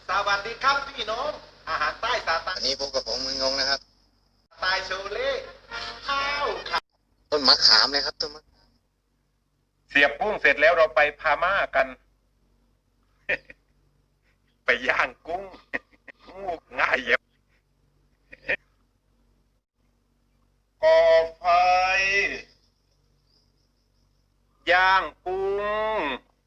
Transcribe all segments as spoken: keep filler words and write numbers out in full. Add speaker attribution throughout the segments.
Speaker 1: สวัสดีครับพี่น้องอาหารใต้สาตา
Speaker 2: อันนี้พบกับผมมึงงงนะครับ
Speaker 1: ตายโชเล่ข้าวขา
Speaker 2: ต้นมะขามเลยครับต้นมะ
Speaker 3: เสียบกุ้งเสร็จแล้วเราไปพาม่ากัน ไปย่างกุ้ง งูง่ายเย็บก่อไฟย่างกุ้ง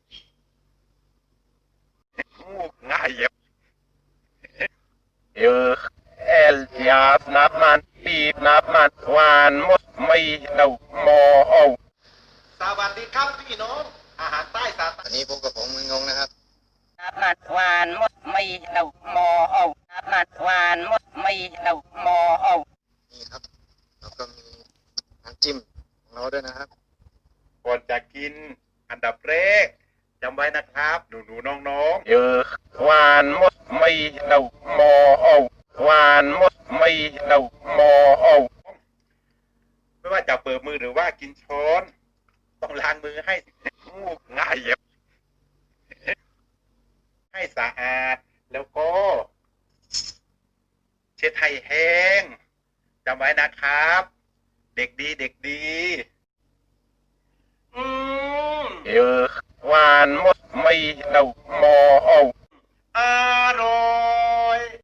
Speaker 3: งูง่ายเย็บเออเอลยาสนับมันปีบนับมันหวานมดไม่เดาหมอเอา
Speaker 1: สวัสดีครับพี่น้องอาหารใต้สาตา
Speaker 2: อันนี้พบกับผมมึงงงนะครับ
Speaker 4: น้ำมันหวานมดไม่เดาหมอเอาน้ำมันหวานมดไม่เดาหมอเอา
Speaker 2: นี่ครับแล้วก็มีน้ำจิ้มของเราด้วยนะครับ
Speaker 3: ก่อนจะกินอันดับแรกจำไว้นะครับ หนูหนูน้องน้องเยอะหวานมดไม่เดาหมอเอาหวานมดไม่เดาหมอเอาไม่ว่าจะเปิดมือหรือว่ากินช้อนต้องล้างมือให้งูง่ายเย็บให้สะอาดแล้วก็ เช็ดให้แห้งจำไว้นะครับ เด็กดีเด็กดีอืมเออหวานมดไม่เดาหมอเอา